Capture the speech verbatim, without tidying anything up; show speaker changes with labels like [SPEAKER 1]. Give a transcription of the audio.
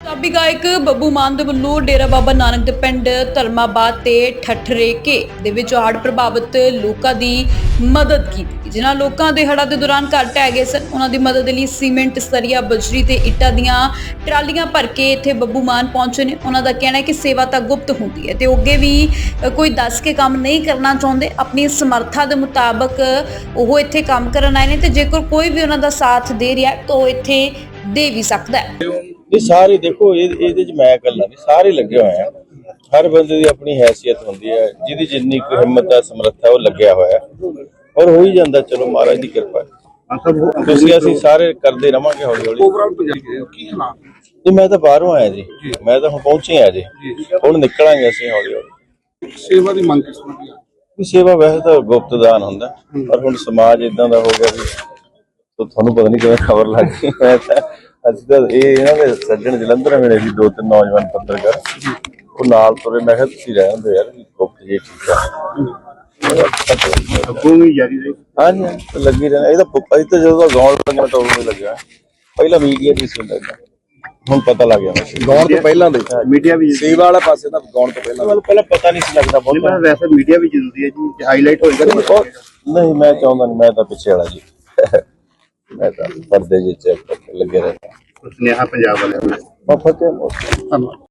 [SPEAKER 1] ਪੰਜਾਬੀ ਗਾਇਕ ਬੱਬੂ ਮਾਨ ਦੇ ਵੱਲੋਂ ਡੇਰਾ ਬਾਬਾ ਨਾਨਕ ਦੇ ਪਿੰਡ ਧਰਮਾਬਾਦ ਤੇ ਠੱਠਰੇਕੇ ਦੇ ਵਿੱਚ ਹੜ੍ਹ ਪ੍ਰਭਾਵਿਤ ਲੋਕਾਂ ਦੀ ਮਦਦ ਕੀਤੀ, ਜਿਨ੍ਹਾਂ ਲੋਕਾਂ ਦੇ ਹੜ੍ਹਾਂ ਦੇ ਦੌਰਾਨ ਘਰ ਢਹਿ ਗਏ ਸਨ। ਉਹਨਾਂ ਦੀ ਮਦਦ ਲਈ ਸੀਮੈਂਟ, ਸਰੀਆ, ਬਜਰੀ ਤੇ ਇੱਟਾਂ ਦੀਆਂ ਟਰਾਲੀਆਂ ਭਰ ਕੇ ਇੱਥੇ ਬੱਬੂ ਮਾਨ ਪਹੁੰਚੇ ਨੇ। ਉਹਨਾਂ ਦਾ ਕਹਿਣਾ ਹੈ ਕਿ ਸੇਵਾ ਤਾਂ ਗੁਪਤ ਹੁੰਦੀ ਹੈ ਤੇ ਉਹ ਅੱਗੇ ਵੀ ਕੋਈ ਦੱਸ ਕੇ ਕੰਮ ਨਹੀਂ ਕਰਨਾ ਚਾਹੁੰਦੇ, ਆਪਣੀ ਸਮਰੱਥਾ ਦੇ ਮੁਤਾਬਕ ਉਹ ਇੱਥੇ ਕੰਮ ਕਰਨ ਆਏ ਨੇ ਤੇ ਜੇਕਰ ਕੋਈ ਵੀ ਉਹਨਾਂ ਦਾ ਸਾਥ ਦੇ ਰਿਹਾ ਤਾਂ ਉਹ ਇੱਥੇ ਦੇ ਵੀ ਸਕਦਾ ਹੈ।
[SPEAKER 2] ਇਹ ਸਾਰੇ ਦੇਖੋ ਇਹਦੇ ਚ ਮੈਂ ਇਕੱਲਾ ਨਹੀਂ, ਸਾਰੇ ਲੱਗੇ ਹੋਏ ਆ। ਹਰ ਬੰਦੇ ਦੀ ਆਪਣੀ ਹੈਸੀਅਤ ਹੁੰਦੀ ਹੈ, ਜਿਹਦੀ ਜਿੰਨੀ ਕੁ ਹਿੰਮਤ ਹੈ, ਸਮਰੱਥਾ, ਉਹ ਲੱਗਿਆ ਹੋਇਆ ਔਰ ਹੋ ਹੀ ਜਾਂਦਾ। ਚਲੋ ਮਹਾਰਾਜ ਦੀ ਕਿਰਪਾ ਹੈ। ਤੁਸੀਂ ਅਸੀਂ ਸਾਰੇ ਕਰਦੇ ਰਵਾਂਗੇ ਹੌਲੀ ਹੌਲੀ। ਤੇ ਮੈਂ ਤਾਂ ਬਾਹਰੋਂ ਆਇਆ ਜੀ, ਮੈਂ ਤਾਂ ਹੁਣ ਪਹੁੰਚੇ ਆ ਜੀ, ਹੁਣ ਨਿਕਲਾਂਗੇ ਅਸੀਂ ਹੌਲੀ ਹੌਲੀ।
[SPEAKER 3] ਸੇਵਾ ਦੀ ਮੰਗ ਕਿਸ ਤਰ੍ਹਾਂ ਦੀ ਹੈ?
[SPEAKER 2] ਸੇਵਾ ਵੈਸੇ ਤਾਂ ਗੁਪਤ ਦਾਨ ਹੁੰਦਾ, ਪਰ ਹੁਣ ਸਮਾਜ ਇਦਾਂ ਦਾ ਹੋ ਗਿਆ ਵੀ ਤੁਹਾਨੂੰ ਪਤਾ ਨਹੀਂ ਕਿਵੇਂ ਖਬਰ ਲੱਗ ਗਈ। ਮੈਂ ਤਾਂ ਅਸੀਂ ਤਾਂ ਇਹ ਇਹਨਾਂ ਦੇ ਸੱਜਣ ਜਲੰਧਰ ਮਿਲੇ ਸੀ, ਦੋ ਤਿੰਨ ਨੌਜਵਾਨ ਪੱਤਰਕਾਰ, ਉਹ ਨਾਲ ਤੁਰੇ। ਮੈਂ ਕਿਹਾ ਤੁਸੀਂ ਰਹਿ ਹੁੰਦੇ ਯਾਰ, ਗੁਪਤ ਜੀ ਠੀਕ ਆ। ਹਾਂਜੀ ਲੱਗੀ ਰਹਿਣਾ। ਇਹ ਤਾਂ ਅਸੀਂ ਤਾਂ ਜਦੋਂ ਗਾਉਣ ਲੱਗਿਆ ਤਾਂ ਉਦੋਂ ਲੱਗਿਆ, ਪਹਿਲਾਂ ਮੀਡੀਆ ਦੀ ਸੀ ਲੱਗਾ, ਹੁਣ ਪਤਾ ਲੱਗ ਗਿਆ।
[SPEAKER 3] ਗਾਉਣ ਤੋਂ ਪਹਿਲਾਂ ਦੇ ਮੀਡੀਆ ਵੀ
[SPEAKER 2] ਸੇਵਾ ਵਾਲਾ ਪਾਸੇ ਤਾਂ ਗਾਉਣ ਤੋਂ ਪਹਿਲਾਂ ਪਹਿਲਾਂ ਪਤਾ ਨਹੀਂ ਸੀ ਲੱਗਦਾ ਬਹੁਤ।
[SPEAKER 3] ਵੈਸੇ ਮੀਡੀਆ ਵੀ ਜ਼ਰੂਰੀ ਹੈ ਜੀ, ਹਾਈਲਾਈਟ ਹੋਏਗਾ।
[SPEAKER 2] ਨਹੀਂ ਮੈਂ ਚਾਹੁੰਦਾ ਨਹੀਂ, ਮੈਂ ਤਾਂ ਪਿੱਛੇ ਵਾਲਾ ਜੀ, ਮੈਂ ਤਾਂ ਪਰਦੇ ਜਿਹੇ ਚ ਲੱਗੇ ਰਹਿੰਦਾ।
[SPEAKER 3] ਸੁਨੇਹਾ ਪੰਜਾਬ ਵਾਲਿਆਂ ਨੂੰ।
[SPEAKER 2] ਧੰਨਵਾਦ।